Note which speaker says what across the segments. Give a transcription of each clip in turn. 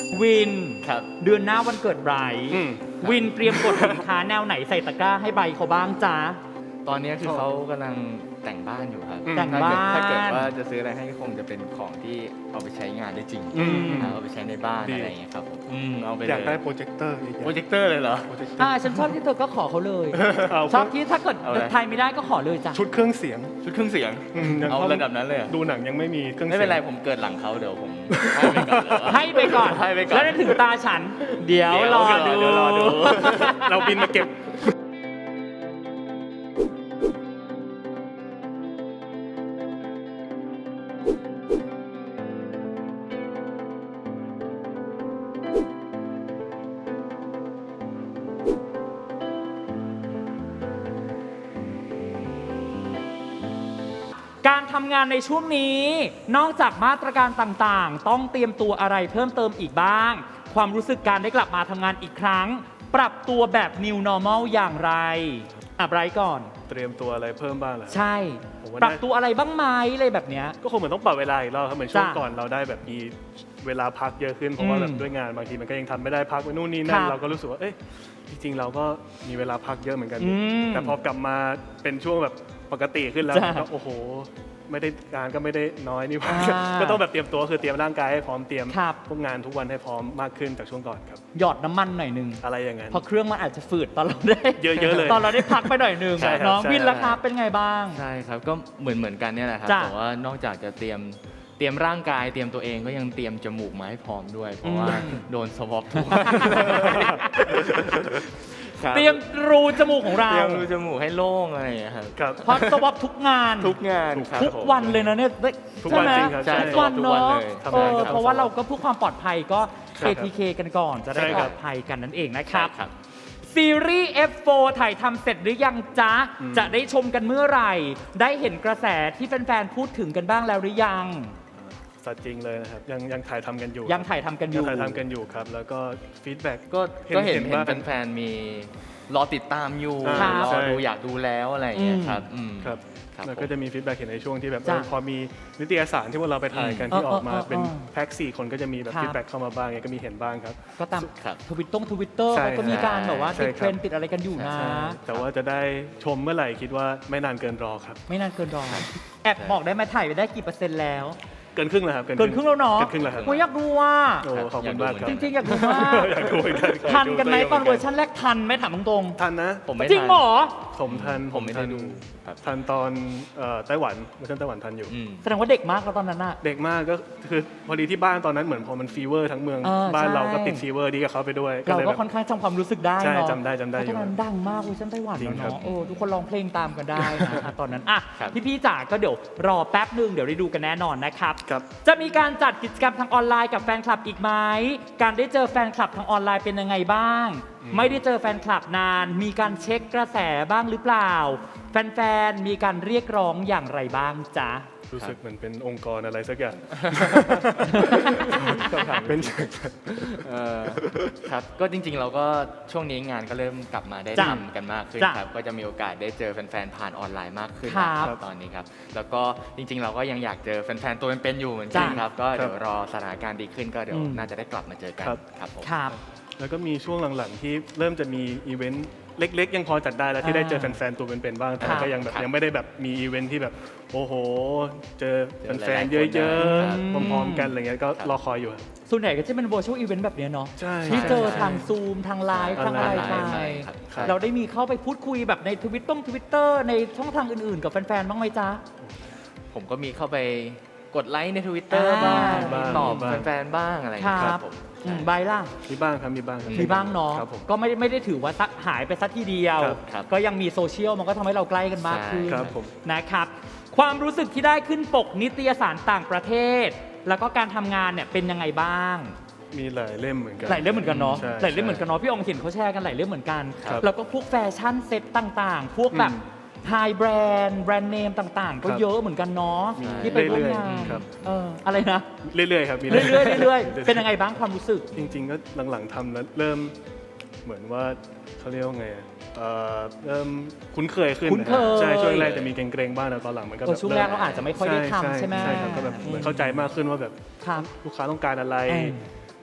Speaker 1: วิน
Speaker 2: ครับ
Speaker 1: เดือนหน้าวันเกิดไบรท์วินเตรียมกดสินค้าแนวไหนใส่ตะกร้าให้ไบรท์เขาบ้างจ๊ะ
Speaker 2: ตอนนี้คือเขากำลังแต่งบ้านอยู่ครับ
Speaker 1: แต่งบ้าน
Speaker 2: ถ้าเกิดว่าจะซื้ออะไรให้คงจะเป็นของที่เอาไปใช้งานได้จริงเอาไปใช้ในบ้านอะไรอย่างเงี้ยครับผมเอาไปเลย
Speaker 3: อยากได้โปรเจคเตอร์อีก
Speaker 2: โปรเจคเตอร์เลยเหรอ
Speaker 3: โปรเจคเตอร์
Speaker 1: ฉันชอบที่เธอก็ขอเขาเลย
Speaker 3: เอา
Speaker 1: ชอบที่ถ้าเกิด
Speaker 2: เอาเลย
Speaker 1: ไทยไม่ได้ก็ขอเลยจ้ะ
Speaker 3: ชุดเครื่องเสียง
Speaker 2: ชุดเครื่องเสียง
Speaker 3: ยัง
Speaker 2: เอา
Speaker 3: ข้
Speaker 2: ระดับนั้นเลยเหรอ
Speaker 3: ดูหนังยังไม่มีเครื่อง
Speaker 2: ไม่
Speaker 3: เสียง
Speaker 2: เป็นไรผมเกิดหลังเขาเดี๋ยวผมให้ไปก่อน
Speaker 1: ให้ไปก่อน
Speaker 2: ให้ไปก่อน
Speaker 1: แล้วได้ถึงตาฉัน เดี๋ยวรอดู
Speaker 2: เดี๋ยวรอดู
Speaker 3: เราบินมาเก็บ
Speaker 1: การทำงานในช่วงนี้นอกจากมาตรการต่างๆ ต้องเตรียมตัวอะไรเพิ่มเติมอีกบ้าง ความรู้สึกการได้กลับมาทำงานอีกครั้ง ปรับตัวแบบ New Normal อย่างไรไบรท์ก่อน
Speaker 3: เตรียมตัวอะไรเพิ่มบ้างเหรอ
Speaker 1: ใช่
Speaker 3: ผมว่า
Speaker 1: ปรับตัวอะไรบ้างไหมอะไรแบบเนี้ย
Speaker 3: ก็คงเหมือนต้องปรับเวลาอีกรอบครับเหมือนช่วง
Speaker 1: จ้ะ
Speaker 3: ก่อนเราได้แบบมีเวลาพักเยอะขึ้นเพราะว่าแบบด้วยงานบางทีมันก็ยังทำไม่ได้พักไปนู่นนี่นั่
Speaker 1: คน รับ
Speaker 3: เราก็รู้สึกว่าเอ้ยจริงๆเราก็มีเวลาพักเยอะเหมือนกัน
Speaker 1: อืม
Speaker 3: แต่พอกลับมาเป็นช่วงแบบปกติขึ้นแล้ว
Speaker 1: จ้ะ
Speaker 3: ก็โอ้โหไม่ได้งานก็ไม่ได้น้อยนี่หว่า
Speaker 1: อ่า
Speaker 3: ก็ต้องแบบเตรียมตัวคือเตรียมร่างกายให้พร้อมเตรียม
Speaker 1: ครับ
Speaker 3: พวกงานทุกวันให้พร้อมมากขึ้นจากช่วงก่อนครับ
Speaker 1: หยอดน้ำมันหน่อยหนึง
Speaker 3: อะไรอย่างนั้น
Speaker 1: เพราะเครื่องมันอาจจะฝืดตอนเราได้
Speaker 3: เยอะๆเลย
Speaker 1: ตอนเราได้พักไปหน่อยหนึง
Speaker 3: ใช่ครับ
Speaker 1: น้อง
Speaker 3: ใช่
Speaker 1: วินล่ะครับเป็นไงบ้าง
Speaker 2: ใช่ครับก็เหมือนกันเนี่ยแหละครับ
Speaker 1: จ้ะ
Speaker 2: แต่ว่านอกจากจะเตรียมร่างกายเตรียมตัวเองก็ยังเตรียมจมูกมาให้พร้อมด้วย เพราะว่า
Speaker 1: อืม
Speaker 2: โดนสวอปทุก
Speaker 1: เตรียมรูจมูกของเรา
Speaker 2: เตรียมรูจมูกให้โล่งอะไรอย่างเงี้ยครับ
Speaker 3: ครับ
Speaker 1: เพราะสวอปทุกงาน
Speaker 2: ทุกงานครับ
Speaker 1: ทุก
Speaker 2: ผม
Speaker 1: วันเลยนะเนี่ย
Speaker 3: ทุกวัน
Speaker 1: ใช่ไหม
Speaker 3: จริงครับ
Speaker 2: ใช่
Speaker 1: ทุกวัน
Speaker 2: ทุก
Speaker 1: เนาะ
Speaker 2: วันเลย
Speaker 3: ทำงานกับ
Speaker 1: เพราะว่าเราก็เพื่อความปลอดภัยก็
Speaker 3: ครับ
Speaker 1: KTK กันก่อนจะได้
Speaker 3: ใช่
Speaker 1: ป
Speaker 3: ค
Speaker 1: ล
Speaker 3: รับ
Speaker 1: อดภัยกันนั่นเองนะครับ
Speaker 2: ใช่ครับ
Speaker 1: ซีรีส์ F4 ถ่ายทำเสร็จหรือยังจ๊ะ จะได้ชมกันเมื่อไหร่ ได้เห็นกระแสที่แฟนๆพูดถึงกันบ้างแล้วหรือยัง
Speaker 3: สัตว์จริงเลยนะครับยังถ่ายทำกันอยู่
Speaker 1: ยังถ่ายทำกันอ
Speaker 3: ยัง
Speaker 1: ยู่
Speaker 3: ถ่ายทำกันอยู่ครับ แล้วก็ฟีดแบ็ก
Speaker 2: ก็เห็น
Speaker 3: ว่า
Speaker 2: แฟนๆมีรอติดตามอยู่
Speaker 1: ครับ
Speaker 2: รอดูอยากดูแล้วอะไรอย่างเงี้ยครับม
Speaker 3: ครับ
Speaker 2: ครับ
Speaker 3: แล้วก็จะมีฟีดแบ็กเห็นในช่วงที่แบบ
Speaker 1: จ้ะ
Speaker 3: พอมีนิตยสารที่พวกเราไปถ่ายกัน
Speaker 1: อืม
Speaker 3: ที่ออกมา
Speaker 1: เออ
Speaker 3: เป็น
Speaker 1: เออ
Speaker 3: แพ็ก4 คนก็จะมีแบบ
Speaker 1: ครับ
Speaker 3: ฟีดแบ็กเข้ามาบ้างก็มีเห็นบ้างครับ
Speaker 1: ก็ตาม
Speaker 2: ครับ
Speaker 1: ทวิตเตอร์
Speaker 3: ใช่
Speaker 1: ก็มีการแบบว่า
Speaker 3: ใช่
Speaker 1: ติด
Speaker 3: ครับ
Speaker 1: เทรนด์ติดอะไรกันอยู่นะ
Speaker 2: ใช่
Speaker 3: แต่ว่าจะได้ชมเมื่อไหร่คิดว่าไม่นานเกินรอครับ
Speaker 1: ไม่นานเกินรอแอบบอกได้ไหมถ่ายไปได้กี่เปอร์เซ็นต์แล้ว
Speaker 3: เกินครึ่งแล้วครับ
Speaker 1: เกินครึ่งแล้วเนาะ
Speaker 3: เกินครึ่งแล้วครับ
Speaker 1: โอ้ยอยากดูว่า
Speaker 3: โอ้ขอบคุณมากครับ
Speaker 1: จริงๆอยากดูมาก
Speaker 3: อยากดูเหมือนกัน
Speaker 1: ทันกันไหม
Speaker 3: ยา
Speaker 1: ตอน
Speaker 3: ดู
Speaker 1: เวอร์ชันแรกทันไหมถามตรง
Speaker 3: ทันนะ
Speaker 2: ผมไม่
Speaker 1: ๆจริงเหรอ
Speaker 3: ผมทัน
Speaker 2: ผมไม่ได้ดูครับ
Speaker 3: ทันตอนไต้หวันเวอร์ชันไต้หวันทันอยู่
Speaker 2: อืม
Speaker 1: แสดงว่าเด็กมากแล้วตอนนั้นน่ะ
Speaker 3: เด็กมากก็คือพอดีที่บ้านตอนนั้นเหมือนพอมันฟีเวอร์ทั้งเมือง บ้าน
Speaker 1: ใช่
Speaker 3: เราก็ติดฟีเวอร์ดีกับเขาไปด้วย
Speaker 1: เรา
Speaker 3: เลย
Speaker 1: ก็
Speaker 3: แบบ
Speaker 1: ค่อนข้างจำความรู้สึกได้
Speaker 3: ใช่
Speaker 1: เนาะ
Speaker 3: จำได้
Speaker 1: เพราะ
Speaker 3: อยู่
Speaker 1: ตอนนั้นดังมากเวอร์ชันไต้หวัน
Speaker 3: จริงครับ
Speaker 1: เนาะทุกคนร้องเพลงตามกันได้นะ ตอนนั้นอ่ะ
Speaker 2: ครับ
Speaker 1: พี่ๆจ๋าก็เดี๋ยวรอแป๊บหนึ่งเดี๋ยวได้ดูกันแน่นอนนะครับ
Speaker 3: ครับ
Speaker 1: จะมีการจัดกิจกรรมทางออนไลน์กับแฟนคลับอีกไหมการได้เจอแฟนคลับทางออนไลน์เป็นยังไงบ้าง ไม่ได้เจอแฟนคลับนาน มีการเช็คกระแสบ้างหรือเปล่า แฟนๆมีการเรียกร้องอย่างไรบ้างจ๊ะ
Speaker 3: รู้สึกเหมือนเป็นองค์กรอะไรสักอย่าง เป็น
Speaker 2: ครับก็จริงๆเราก็ช่วงนี้งานก็เริ่มกลับมาได้
Speaker 1: จ้ะ
Speaker 2: ทำกันมากขึ้น
Speaker 1: จ้ะ
Speaker 2: ครับก็จะมีโอกาสได้เจอแฟนๆผ่านออนไลน์มากขึ้น
Speaker 1: ครับ
Speaker 2: นะครับตอนนี้ครับแล้วก็จริงๆ เราก็ยังอยากเจอแฟนๆตัวเป็นๆอยู่เหมือนกัน
Speaker 1: จ้ะ
Speaker 2: ครับก็เดี๋ยวรอสถานการณ์ดีขึ้นก็เดี๋ยว
Speaker 1: อืม
Speaker 2: น่าจะได้กลับมาเจอกัน
Speaker 3: ครับ
Speaker 2: ครับผม
Speaker 1: ครับ
Speaker 3: แล้วก็มีช่วงหลังๆที่เริ่มจะมีอีเวนต์เล็กๆ ยังพอจัดได้แล้วที่ได้เจอแฟนๆตัวเป็นๆบ้างแต่
Speaker 1: ครับ
Speaker 3: ก็ยังแบบ
Speaker 2: ครับ
Speaker 3: ยังไม่ได้แบบมีอีเวนต์ที่แบบโอ้โห เจอ
Speaker 2: เจอ
Speaker 3: แฟนๆ
Speaker 2: หลายๆ
Speaker 3: เยอะ
Speaker 2: คนนะ
Speaker 3: ๆพร้อมๆกันอะไรเงี้ยก็
Speaker 2: ครับ
Speaker 3: รอคอยอยู่ครับ
Speaker 1: ส่วนใหญ่ก็จะเป็น virtual event แบบเนี้ยเนาะ
Speaker 3: ใช่
Speaker 1: ที่เจอ
Speaker 2: ใช่
Speaker 1: ทางซูมทางไลน์
Speaker 3: ใช่
Speaker 1: ทางอะไร
Speaker 3: ออน
Speaker 1: ไป
Speaker 3: ไลน์
Speaker 2: ใช่ครับใช่
Speaker 1: เราได้มีเข้าไปพูดคุยแบบในทวิตเตอร์ในช่องทางอื่นๆ กับแฟนๆ บ้างไหมจ๊ะ
Speaker 2: ผมก็มีเข้าไปกดไลค์ใน Twitter
Speaker 1: อ่า
Speaker 2: บ้างตอบแฟนๆบ้างอะไรอย่าง
Speaker 1: ค
Speaker 2: เงี้ย
Speaker 1: รับ
Speaker 2: ผม
Speaker 1: ใบล่ะ
Speaker 3: มีบ้างครับมีบ้างครับ
Speaker 1: มีบ้างเนาะ
Speaker 3: ครับผม
Speaker 1: ก็ไม่ได้ถือว่าหายไปสักทีเดียว
Speaker 3: ครับ
Speaker 2: ครับ
Speaker 1: ก็ยังมีโซเชียลมันก็ทำให้เราใกล้กันมากขึ้น
Speaker 3: ครับผม
Speaker 1: นะครับ ความรู้สึกที่ได้ขึ้นปกนิตยสารต่างประเทศ แล้วก็การทำงานเนี่ยเป็นยังไงบ้าง
Speaker 3: มีหลายเล่มเหมือนกัน
Speaker 1: หลายเล่มเหมือนกันเนาะ
Speaker 3: ใช่
Speaker 1: หลายเล่มเหมือนกันเนาะพี่องเห็นเขาแชร์กันหลายเล่มเหมือนกัน
Speaker 3: ครับ
Speaker 1: แล้วก็พวกแฟชั่นเซ็ตต่างๆ พวกแบบไฮแบรนด์เนมต่างๆ ก็
Speaker 3: ครับ
Speaker 1: เยอะเหมือนกันเนาะ
Speaker 3: มี
Speaker 1: ที่ไปร่วมงาน
Speaker 3: เรื่อยๆครับ
Speaker 1: อะไรนะ
Speaker 3: เรื่อยๆครับมี
Speaker 1: เรื่อยๆเป็นยังไงบ้างความรู้สึก
Speaker 3: จริงๆก็หลังๆทำแล้วเริ่มเหมือนว่าเขาเรียกว่าไงอะเริ่มคุ้นเคยขึ้น
Speaker 1: คุ้นเคย
Speaker 3: ใช่ช่วงแรกจะมีเกรงๆบ้างแต่ตอนหลังมันก็แบบ
Speaker 1: ช่วงแรกเราอาจจะไม่ค่อยได้ทำใช่ไหม
Speaker 3: ใช่ครับก็แบบเหมือนเข้าใจมากขึ้นว่าแบบ
Speaker 1: ครับ
Speaker 3: ลูกค้าต้องการอะไร
Speaker 1: เออ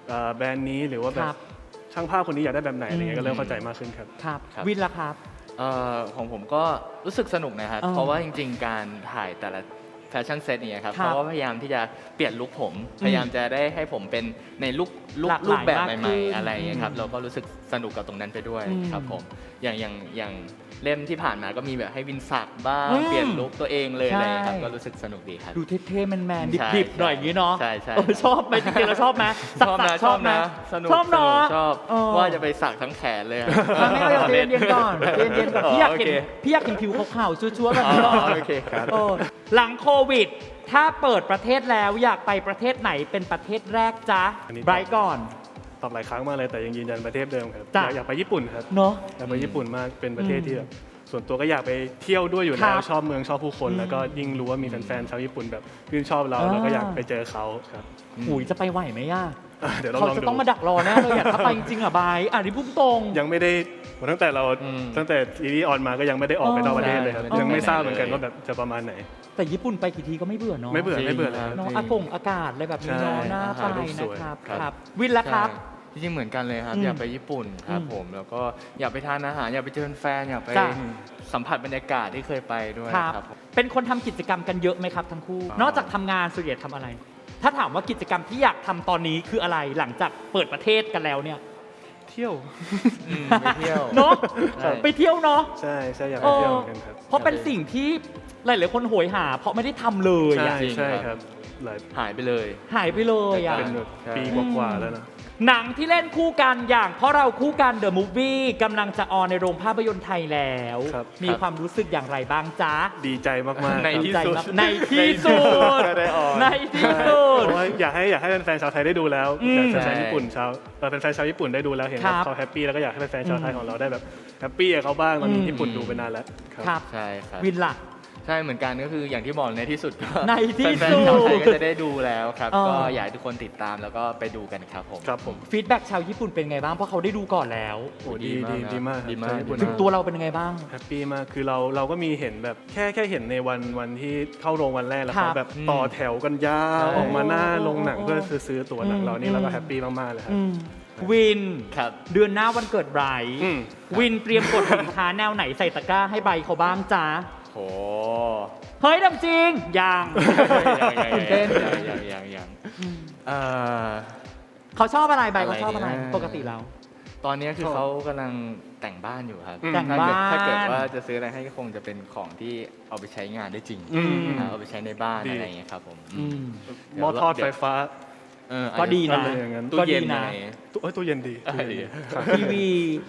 Speaker 3: แบรนด์นี้หรือว่าแบ
Speaker 1: ครับ บ
Speaker 3: ช่างภาพคนนี้อยากได้แบบไหนอะไรเงี้ยก็เริ่มเข้าใจมากขึ้นครับ
Speaker 1: ครับ
Speaker 2: ครับ
Speaker 1: วินล่ะครับ
Speaker 2: ของผมก็รู้สึกสนุกนะครับ
Speaker 1: อ๋อ
Speaker 2: เพราะว่าจริงๆ การถ่ายแต่ละแฟชั่นเซตเนี่ยครับ
Speaker 1: ครับ
Speaker 2: เขาก็พยายามที่จะเปลี่ยนลุคผม พยายามจะได้ให้ผมเป็นในลุค
Speaker 1: หลากหลาย
Speaker 2: รูปแบบ
Speaker 1: มากขึ้
Speaker 2: ใหม่
Speaker 1: น
Speaker 2: ๆอะไรอย่างเงี้ยครับ
Speaker 1: อืม
Speaker 2: เราก็รู้สึกสนุกกับตรงนั้นไปด้วย
Speaker 1: อืม
Speaker 2: ครับผมอย่างเล่มที่ผ่านมาก็มีแบบให้วินสักบ้าง
Speaker 1: อืม
Speaker 2: เปลี่ยนลุคตัวเองเลย
Speaker 1: ใช่
Speaker 2: อะไรอย่างเงี้ยครับก็รู้สึกสนุกดีครับ
Speaker 1: ดูเท่ๆแมน
Speaker 2: ใช่
Speaker 1: ๆดิบๆหน่อยอย่างนี้เนาะ
Speaker 2: ใช่ใช่
Speaker 1: ชอบไหมจริงๆเราชอบไหมสักๆชอบไหม
Speaker 2: สนุก
Speaker 1: ชอบเนาะ
Speaker 2: ชอบ
Speaker 1: เออ
Speaker 2: ว่าจะไปสักทั้งแขนเลยอะ
Speaker 1: ไม่เอาเย็นๆก่อนเย็นๆก่อนพี่อยากเห็น
Speaker 2: โอเค
Speaker 1: พี่อยากเห็นผิวขาวๆชัวร์ๆแบบ
Speaker 2: อ๋อ
Speaker 1: นี้ก่อน
Speaker 2: โอเคครับ
Speaker 1: เออหลังโควิด ถ้าเปิดประเทศแล้วอยากไปประเทศไหนเป็นประเทศแรกจ๊ะ
Speaker 3: อันนี้
Speaker 1: ไบรท์ก่อน
Speaker 3: ตอบหลายครั้งมากเลยแต่ยังยืนยันประเทศเดิมครับ
Speaker 1: จ้ะ
Speaker 3: อยากไปญี่ปุ่นครับ
Speaker 1: เนาะ
Speaker 3: อยากไปญี่ปุ่นมากเป็นประเทศ
Speaker 1: อืม
Speaker 3: ที่แบบส่วนตัวก็อยากไปเที่ยวด้วยอยู่
Speaker 1: ครั
Speaker 3: แล้
Speaker 1: บ
Speaker 3: วชอบเมืองชอบผู้คน
Speaker 1: อืม
Speaker 3: แล้วก็ยิ่งรู้ว่ามีแฟนๆชาวญี่ปุ่นแบบชื่นชอบเรา
Speaker 1: อ่า
Speaker 3: เราก็อยากไปเจอเขาครับ
Speaker 1: หุยจะไปไหวไหมย่า
Speaker 3: เดี๋ยวเรา
Speaker 1: เขา
Speaker 3: ลอง
Speaker 1: จะ
Speaker 3: ดู
Speaker 1: ต้องมาดักรอแน่เลยอยากถ้าไปจริงๆอ่ะไบรท์อ่ะนี่พุ่งตรง
Speaker 3: ยังไม่ได้ตั้งแต่เรา
Speaker 2: อืม
Speaker 3: ตั้งแต่ซีรีส์ออนมาก็ยังไม่ได้ออกไปนอกประเทศเลยครับ
Speaker 2: ใช่
Speaker 3: ยังไม่ทราบเหมือนกัน
Speaker 2: เลย
Speaker 3: ว่าแบบจะประมาณไหน
Speaker 1: แต่ญี่ปุ่นไปกี่ทีก็ไม่เบื่อเนาะ
Speaker 3: ไม่เบื่อ
Speaker 2: จริง
Speaker 3: ไม่เบื่อเลย
Speaker 2: ครับ
Speaker 3: ครับ
Speaker 1: เนาะ
Speaker 3: จริง
Speaker 1: อากาศอะไรแบบนี้เนาะ
Speaker 3: ใช่
Speaker 1: น่า
Speaker 3: อา
Speaker 1: ไป
Speaker 3: หารรูปส
Speaker 1: นะ
Speaker 3: วย
Speaker 1: ครับ
Speaker 3: ครับ
Speaker 1: ครับ วินละครับ
Speaker 2: ใช่จริงๆเหมือนกันเลยครับ
Speaker 1: อืม
Speaker 2: อยากไปญี่ปุ่นครับ
Speaker 1: อืม
Speaker 2: ผมแล้วก็อยากไปทานอาหารอยากไปเจอแฟนอยากไป
Speaker 1: จ้ะ
Speaker 2: สัมผัสบรรยากาศที่เคยไปด้วย
Speaker 1: ครับ
Speaker 2: ครับผม
Speaker 1: เป็นคนทำกิจกรรมกันเยอะไหมครับทั้งคู่
Speaker 2: อ่าน
Speaker 1: นอกจากทำงานส่วนใหญ่ทำอะไร ถ้าถามว่ากิจกรรมที่อยากทำตอนนี้คืออะไรหลังจากเปิดประเทศกันแล้วเนี่ย
Speaker 3: เที่ยว
Speaker 2: ไปเที่ยว
Speaker 1: เนาะ
Speaker 2: ใช่
Speaker 1: ไปเที่ยวเนาะ
Speaker 3: ใช่ใช่อยากไปเที่ยวเหมือนกันครับ
Speaker 1: เพราะเป็นสิ่งที่หลายๆคนโหยหา เพราะไม่ได้ทำเลย
Speaker 3: ใช่
Speaker 1: อะ
Speaker 2: จริง
Speaker 3: ใช่
Speaker 2: ค
Speaker 3: ค
Speaker 2: รั
Speaker 3: รับ บหลาย
Speaker 2: หายไปเลย
Speaker 1: หายไปเลยอะ
Speaker 3: เป็นแบบ
Speaker 2: ใช่
Speaker 3: ปีกว่าๆแล้วนะ
Speaker 1: หนังที่เล่นคู่กันอย่างเพราะเราคู่กันเดอะมูฟวี่กำลังจะออนในโรงภาพยนตร์ไทยแล้ว
Speaker 3: ครับ
Speaker 1: มีความรู้สึกอย่างไรบ้างจ๊ะ
Speaker 3: ดีใจมากๆ
Speaker 2: ใน
Speaker 3: ครับ
Speaker 2: ที่
Speaker 1: ใจ
Speaker 2: สุด
Speaker 1: มากในที่สุด
Speaker 2: ก็ได้ออน
Speaker 1: ในที่
Speaker 3: ใช่
Speaker 1: สุด
Speaker 3: เพราะว่าอยากให้แฟนๆชาวไทยได้ดูแล้ว
Speaker 1: อืม
Speaker 3: อยากให้แฟนๆญี่ปุ่นชาวแฟนๆชาวญี่ปุ่นได้ดูแล้วเห็น
Speaker 1: ครั
Speaker 3: ว่า
Speaker 1: บ
Speaker 3: เขาแฮปปี้แล้วก็อยากให้แฟนๆชาวไทย
Speaker 1: อืม
Speaker 3: ของเราได้แบบแฮปปี้กับเขาบ้างตอนนี้
Speaker 1: อืม
Speaker 3: ญี่ปุ่นดูไปนานแล้วครับ
Speaker 1: ครับ
Speaker 2: ใช่ครับ
Speaker 1: วินล่ะ
Speaker 2: ใช่เหมือนกันก็คืออย่างที่บอกในที่สุดก็
Speaker 1: ในที่
Speaker 2: แฟน
Speaker 1: สุด
Speaker 2: ๆชาวไทยก็จะได้ดูแล้วครับ
Speaker 1: เออ
Speaker 2: ก็อยากให้ทุกคนติดตามแล้วก็ไปดูกันครับผม
Speaker 3: ครับผม
Speaker 1: ฟีดแบ็กชาวญี่ปุ่นเป็นไงบ้างเพราะเขาได้ดูก่อนแล้ว
Speaker 3: โอ้ดี
Speaker 2: ดีมาก
Speaker 3: ดีมาก
Speaker 2: ดีมาก
Speaker 3: ชาวญี่ปุ่น
Speaker 1: ถึงตัวเราเป็นยังไงบ้าง
Speaker 3: แฮปปี้มากคือเราก็มีเห็นแบบแค่เห็นในวันที่เข้าโรงวันแรกแล้ว
Speaker 1: ครั
Speaker 3: เขา
Speaker 1: บ
Speaker 3: แบบต่อแถวกันยาว
Speaker 2: ใช่
Speaker 3: ออกมาหน้าโรงหนัง
Speaker 1: โอ้
Speaker 3: เพื่อซื้อตั๋วหนังเรานี่เราก็
Speaker 1: อืม
Speaker 3: แฮปปี้มากๆเลยครับ
Speaker 1: อืมวิน
Speaker 2: ครับ
Speaker 1: เดือนหน้าวันเกิดไบรท์
Speaker 3: อืม
Speaker 1: วินเตรียมกดสินค้าแนวไหนใส่ตะกร้าให้ไบรท์เขาบ้างจ๊ะ
Speaker 2: โห
Speaker 1: เฮ้ยดำจริงยังตื่นเต้น
Speaker 2: ยัง
Speaker 1: อืม
Speaker 2: เอ่อ
Speaker 1: เขาชอบอะไรไบรท์เขาชอบอะไร
Speaker 2: อะไรนะ
Speaker 1: ปกติแล้ว
Speaker 2: ตอนนี้คือ
Speaker 3: ชอบ
Speaker 2: เขากำลังแต่งบ้านอยู่ครับ
Speaker 1: แต่ง
Speaker 2: ถ้าเกิด
Speaker 1: บ้าน
Speaker 2: ว่าจะซื้ออะไรให้ก็คงจะเป็นของที่เอาไปใช้งานได้จริง
Speaker 3: อืม
Speaker 2: เอาไปใช้ในบ้าน
Speaker 3: ดี
Speaker 2: อะไรอย่างเงี้ยครับผม
Speaker 1: อืม
Speaker 3: หม้อทอดไฟฟ้า
Speaker 1: ก็ดีนะ
Speaker 3: อะไรอย่างนั้น
Speaker 2: ตู้เย็น
Speaker 1: ก็ดีนะ
Speaker 2: อะไรอย่างเงี้ย
Speaker 3: ตู้เย็นดี
Speaker 2: อะไรดี
Speaker 3: ครับ
Speaker 1: ทีวี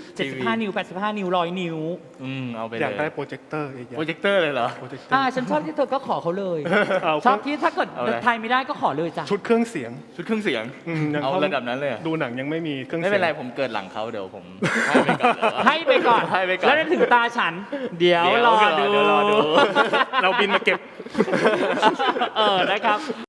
Speaker 1: 75 นิ้ว 85 นิ้ว 100 นิ้ว
Speaker 2: เอาไป
Speaker 3: อ
Speaker 2: เลย
Speaker 3: ากได้โปรเจคเตอร์อีกอย่าง
Speaker 2: โปรเจคเตอร์เลยเหรอ
Speaker 3: โปรเจคเตอร์
Speaker 1: ฉันชอบที่เธอก็ขอเขาเลย
Speaker 3: เอา
Speaker 1: ชอบที่ถ้าเกิด
Speaker 2: เอาเลย
Speaker 1: ไทยไม่ได้ก็ขอเลยจ้ะ
Speaker 3: ชุดเครื่องเสียง
Speaker 2: ชุดเครื่องเสียง
Speaker 3: ยัง
Speaker 2: เอา
Speaker 3: ข้
Speaker 2: ระดับนั้นเลยเหรอ
Speaker 3: ดูหนังยังไม่มีเครื่อง
Speaker 2: ไม่
Speaker 3: เสียง
Speaker 2: เป็นไรผมเกิดหลังเขาเดี๋ยวผมให้ไปก่อนเลย
Speaker 1: ให้ไปก่อน
Speaker 2: ให้ไปก่อน
Speaker 1: แล้วได้ถึงตาฉัน เดี๋ยวรอดู
Speaker 2: เดี๋ยวรอดู
Speaker 3: เราบินมาเก็บ
Speaker 1: นะครับ